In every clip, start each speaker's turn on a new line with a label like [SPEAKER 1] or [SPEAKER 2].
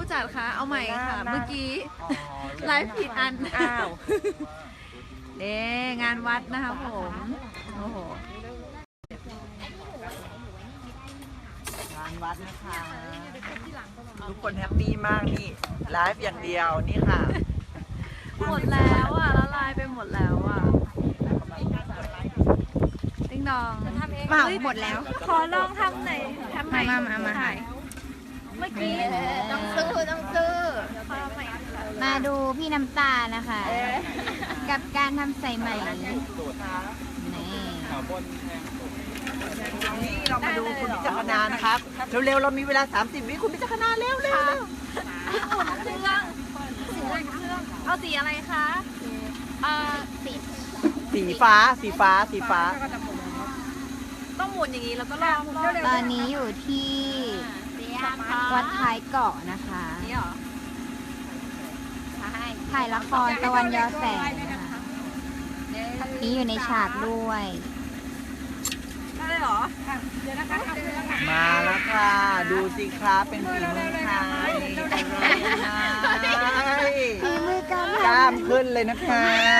[SPEAKER 1] จัดคะเอาใหม่ค่ะเมื่อกี้ไลฟ์ผิดอันอ้าวเด้งานวัดนะคะผมโอ้โห
[SPEAKER 2] งานวัดนะคะทุกคนแฮปปี้มากนี่ไลฟ์อย่างเดียวนี่ค่ะ
[SPEAKER 1] หมดแล้วอ่ะละลายไปหมดแล้วอ่ะติ๊งดอง
[SPEAKER 3] มาหมดแล้ว
[SPEAKER 1] ขอลองทำหน่อยทำใหม่
[SPEAKER 3] มา
[SPEAKER 1] ถ่ายเมื่อกี้
[SPEAKER 3] ต้องซื้อมาดูพี่น้ำตานะคะกับการทำใส่ใหม่นี่
[SPEAKER 2] นี่เรามาดูคุณพิจารณานะครับเร็วๆเรามีเวลา30 วิคุณพิจารณาเร็วๆ
[SPEAKER 1] เอาสีอะไรคะ
[SPEAKER 2] สีฟ้า
[SPEAKER 1] ต้องหมุนอย่างนี้แล้วก็ลอง
[SPEAKER 3] ตอนนี้อยู่ที่วัดท้ายเกาะนะคะ
[SPEAKER 1] นี่หรอ
[SPEAKER 3] ถ่ายละครตะวันยอแสงนะคะนี่อยู่ในฉากด้วย
[SPEAKER 1] ได้เลยเหรอ
[SPEAKER 2] มาแล้วค่ะดูสิครับเป็นฝีมือใคร
[SPEAKER 3] ฝีมือการ
[SPEAKER 2] กล้ามขึ้นเลยนะคะ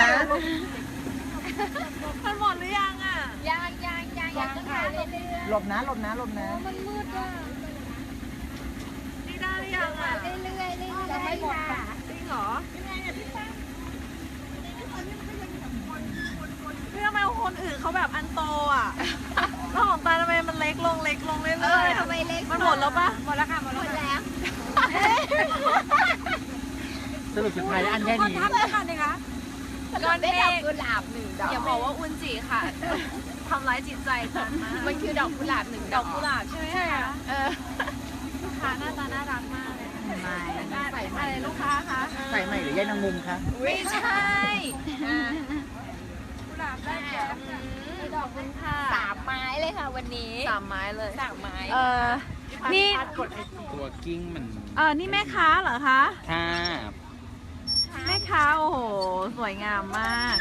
[SPEAKER 1] มันหมดหรือยังอ่ะ
[SPEAKER 3] ยัง
[SPEAKER 2] หลบนะ
[SPEAKER 3] มันมืดว่ะ
[SPEAKER 1] นี่ได้หรือยังอ่ะ
[SPEAKER 3] เรื่อยจะไม่หมดค่ะ
[SPEAKER 1] จริงเหรอพี่ทำไมคนอื่นเขาแบบอันโตอ่ะแล้วของตาทำไมมันเล็กลงเรื่อยๆ
[SPEAKER 3] ทำไมเล็ก
[SPEAKER 1] มันหมดแล้วปะ
[SPEAKER 3] หมดแล้วค่ะหมดแล้ว
[SPEAKER 2] สรุปสุดท้ายอันแค่นี้
[SPEAKER 1] ทำได้ค่ะนี่คะ
[SPEAKER 3] ก้อนเมฆกุหลาบ1 ดอก
[SPEAKER 1] อย่าบอกว่าอุนจิค่ะทำร้ายจิตใจจังนะ
[SPEAKER 3] มันคือดอกกุหลาบ1 ดอก
[SPEAKER 1] กุหลาบใช่ไหมคะลูกค้าหน้าตาน่ารักมากเลยอะไรลูกค้าคะ
[SPEAKER 2] ใส่ใหม่หรือยายนางมุมคะ
[SPEAKER 1] ไม่ใช่กุหลาบได้แก่ดอกคุณค่ะ
[SPEAKER 3] 3 ไม้เลยค่ะวันนี้
[SPEAKER 1] 3 ไม้เลย
[SPEAKER 3] 3 ไม้
[SPEAKER 1] นี่
[SPEAKER 4] ตัวกิ้งมัน
[SPEAKER 1] นี่แม่ค้าเหรอคะ
[SPEAKER 4] ค่ะ
[SPEAKER 1] แม่ค้าโอ้โหสวยงามมาก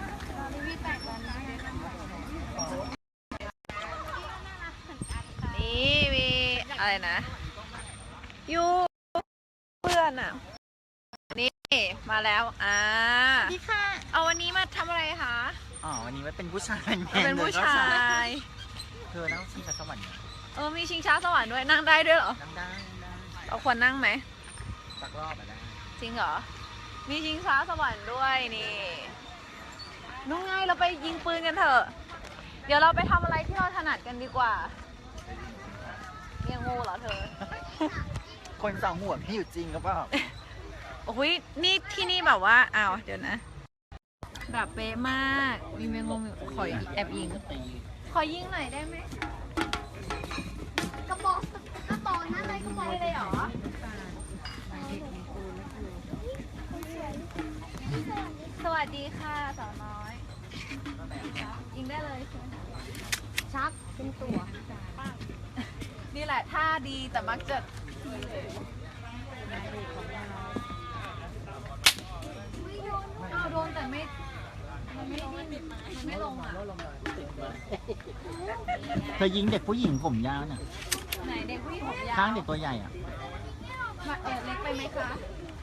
[SPEAKER 1] นี่มีอะไรนะยูเพื่อนอ่ะนี่มาแล้ว
[SPEAKER 3] นี่ค่ะ
[SPEAKER 1] เอาวันนี้มาทำอะไรคะ
[SPEAKER 2] วันนี้ว่าเป็นผู้ชาย
[SPEAKER 1] เป็นผู้ชาย
[SPEAKER 2] เธอนั่งชิงช้าสวรรค์
[SPEAKER 1] มีชิงช้าสวรรค์ด้วยนั่งได้ด้วยเหรอ
[SPEAKER 2] นั่งได้
[SPEAKER 1] เราควรนั่งไหม
[SPEAKER 2] สักรอบได้
[SPEAKER 1] จริงเหรอมีชิงช้าสวรรค์ด้วยนี่นุ่งไงเราไปยิงปืนกันเถอะเดี๋ยวเราไปทำอะไรที่เราถนัดกันดีกว่ายังงูเหรอเธอ
[SPEAKER 2] คนสองหัวไม่อยู่จริงก็เปล่า
[SPEAKER 1] โอ้ยนี่ที่นี่แบบว่าเดี๋ยวนะแบบเป๊ะมากมีแมงมุมขอแอบยิงขอยิงหน่อยได้ไหม
[SPEAKER 3] กระบอกนั่นเลยกระบอก
[SPEAKER 1] เลยเหรอสวัสดีค่ะสาวน้อยยิงได้เลยใช่ไหม
[SPEAKER 3] ชักเป็นตัว
[SPEAKER 1] นี่แหละท่าดีแต่มักจะโดนแต่มันไม่ลงอ่ะ
[SPEAKER 2] เธอยิงเด็กผู้หญิงผมยาวน่ะ
[SPEAKER 1] ไหนเด็กผู้หญิงผมยาว
[SPEAKER 2] ข้างเด็กตัวใหญ่อ่ะ
[SPEAKER 1] เล็กไปไหมคะ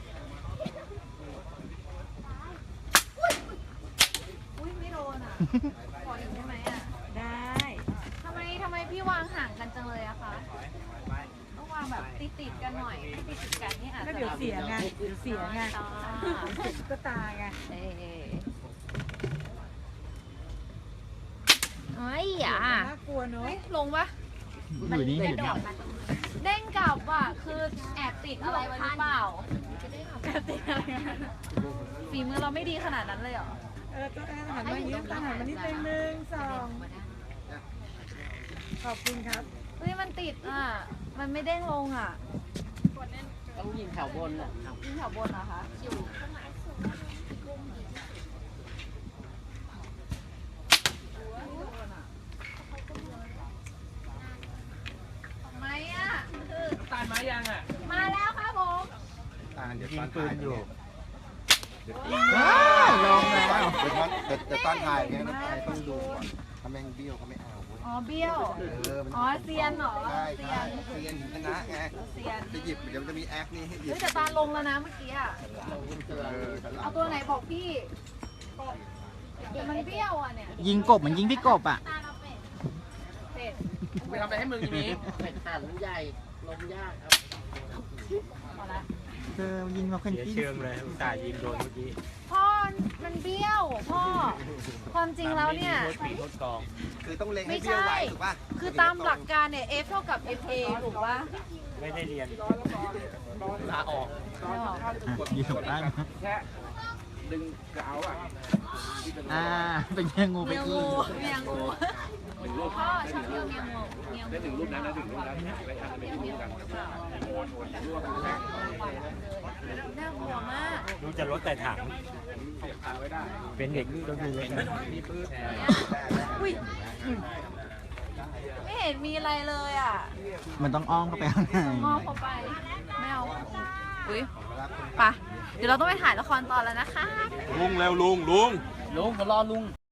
[SPEAKER 1] อุ้ยไม่โดนอ่ะขออีกได้ไหมอ่ะได้ทำไมพี่วางห่างกันจังเลยอะคะต้องวางแบบติดกันหน่อยติดกันนี่อาจจะ
[SPEAKER 5] เดี๋ยวเสียไงก็ตาไงน่ากลัวเนอะ
[SPEAKER 1] ลงปะ
[SPEAKER 2] อยู่นี่อยู่นี่
[SPEAKER 1] เด้งกลับว่ะคือแอบติดอะไรไว้หรือเปล่าแอบติดอะไรฝีมือเราไม่ดีขนาดนั้นเลยเหรอ
[SPEAKER 5] ต้องหันมายิ้มหันมานิดนึง1 2ขอบคุณครับ
[SPEAKER 1] เฮ้ยมันติดมันไม่เด้งลง
[SPEAKER 2] ต้องยิงแถวบนอ่ะ
[SPEAKER 1] ยิงแถวบนเหรอคะ
[SPEAKER 4] ตานมายังอ่ะ
[SPEAKER 1] มาแล้วครับผม
[SPEAKER 4] ตานเดี๋ยวยิงปืนอยู่
[SPEAKER 2] ลงแล้ว
[SPEAKER 4] เดี๋ยวตอนถ่ายเนี่ยต้องดูก่อนถ้าแม่งเบี้ยวเขาไม่เอา
[SPEAKER 1] อ๋อเบี้ยว อ๋อเซียนเหรอ
[SPEAKER 6] ใช่
[SPEAKER 1] เซีย
[SPEAKER 6] ใช่
[SPEAKER 1] น
[SPEAKER 6] เซียนชนะไง
[SPEAKER 1] เซียน
[SPEAKER 6] จะหยิบเดี๋ยวมันจะมีแอคนี่ให้หยิบ
[SPEAKER 1] เฮ้ยแต่ตาลงแล้วนะเมื่อกี้อะ เอาตัวไหนบอกพี่เดี๋ยวมันเบี้ยวอ่ะเนี่ย
[SPEAKER 2] ยิงกบเหมือนยิงพี่กบอ่ะ
[SPEAKER 1] เป็ด
[SPEAKER 4] ไปทำอะไรให้มึงทีนี้
[SPEAKER 1] พอละ
[SPEAKER 2] เธอยิงมาคนที่
[SPEAKER 4] เชิงเลยอุตส่าห์ยิงโดนเมื่อกี้
[SPEAKER 1] พ่อมันเบี้ยวพ่อ ความจริงแล้วเนี่ย
[SPEAKER 4] โทษปีโทษกอง
[SPEAKER 6] คือต้องเล็งให้
[SPEAKER 1] ไม่
[SPEAKER 6] เบี้ยว
[SPEAKER 1] ใช่
[SPEAKER 6] ไว้ถูกป่ะ
[SPEAKER 1] คือตามหลักการเนี่ย F เท่ากับ FA ถูกปะ
[SPEAKER 4] ไม่ได้เรียนลาออก
[SPEAKER 2] ยิงถูกได้ไหม
[SPEAKER 4] แค่ดึงกระเอาอ่ะ
[SPEAKER 2] เป็นแค่งูไป
[SPEAKER 1] เมีย
[SPEAKER 2] กิ
[SPEAKER 1] งู
[SPEAKER 2] น
[SPEAKER 1] เมียงูพ่อชอบเมียงูเมียงู
[SPEAKER 4] ได้ถึงรูปนั้นนะถึงรูปนั้นไปทำอะไรไม่รู้กัน
[SPEAKER 1] น่ากลัวมาก
[SPEAKER 4] ดูจะลดแต่ถังเป็นเด็กต้องดูเลยมีปืน
[SPEAKER 1] อุ้ยไม่เห็นมีอะไรเลยอ่ะ
[SPEAKER 2] มันต้องอ้อมเข้าไปข้างใน
[SPEAKER 1] มองเข้าไป ไม่เอา อุ้ยไปะเดี๋ยวเราต้องไปถ่ายละครตอนแล้วนะคะ
[SPEAKER 4] ลุงเร็วลุงเขารอลุง